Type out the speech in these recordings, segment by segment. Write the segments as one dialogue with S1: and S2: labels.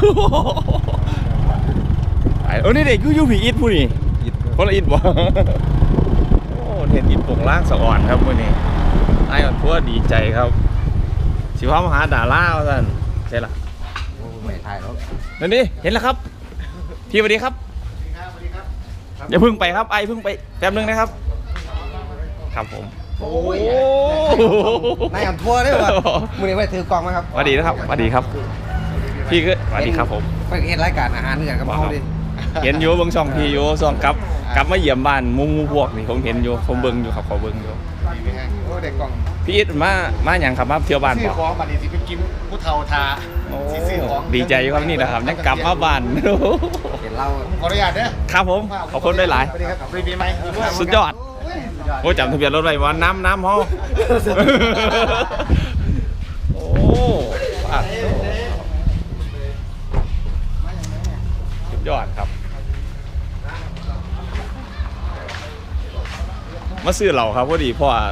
S1: นี่เด็กยูผีอิดผู้นี่คนละอิดบ่โอ้เห็นอิดปงล่างสะอ่อนครับมื้อนี้ไอ้อ่อนทั่วดีใจครับสิพามาหาดาราว่าซั่นใช่ล่ะ
S2: ไม่ถ่ายแล้ว
S1: นั่นดิเห็นแล้วครับพี่สวัสดีครับอย่าพึ่งไปครับไอ้พึ่งไปแป๊บนึงนะครับครับผม
S2: โอ้ยนายอ่ำทั่วได้ป่ะมือนี้ไปถือกล่องมาครับ
S1: สวัสดีนะครับสวัสดีครับพี่ก็สวัสดีครับผม
S2: ไปเห็นรายการอาหารเหมือนกันกับเขาดิ
S1: เห็นอยู่เบิ่งช่องพี่อยู่ช่องกลับมาเยี่ยมบ้านมุงพวกนี่ผมเห็นอยู่ผมเบิ่งอยู่ครับเขาเบิ่งอยู่
S2: โอ้เด็กกล่อง
S1: พี่อิทมาอย่างครับมาเที่ยวบ้านบ่
S2: ซื้อของบัดนี้สิไปกินผู้เฒ่าทาซื้อของ
S1: ดีใจครับนี่นะครับยังกลับมาบ้าน
S2: เห็นเราขออนุญาตเด้อ
S1: ครับผมขอบคุณได้หลาย
S2: สวัสดีครับปีใหม่
S1: สุดยอดโอ้จำทะเบียนรถไว้ว่าน้ำฮอโอ้สุดยอดครับมาซื้อเหล่าครับพอดีพ่อ
S2: พ่อ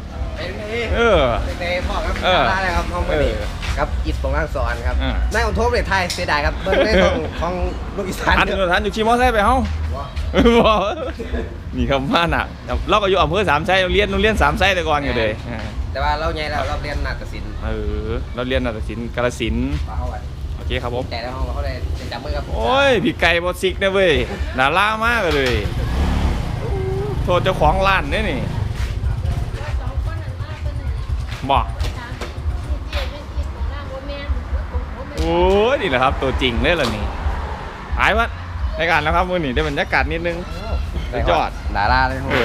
S2: ครับอะไรครับห้องไม่ดีครับอิดปงร่างสอนครับนายอ่ำทั่วประเทศไทยเสียดายครับเบิ้งในของลูกอีสาน
S1: ทันอยู่ขี่มอไซค์ไปเฮ้านี่ครับมาหนักเราก็อยู่อำเภอสามไซเราเรียนสามไซแต่ก่อนอยู่เลย
S2: แต่ว่าเราใหญ่แล้วเราเรียนนาฏศิลป์
S1: เราเรียนนาฏศิลป์กาฬสินธุ์โอเคครับผม
S2: แต่ในห้องเขาเลยจับมือครับ
S1: โอ้ยพี่ไก่บอสิกนะเว้ยน่าล่ามากเลยโทษเจ้าของร้านเนี่ยนี่บอกโอ้ยนี่แหละครับตัวจริงเลยล่ะนี่หายวัดในการแล้วครับมือนี่ได้บรรยากาศนิดนึงสุดยอด
S2: ดาราเลย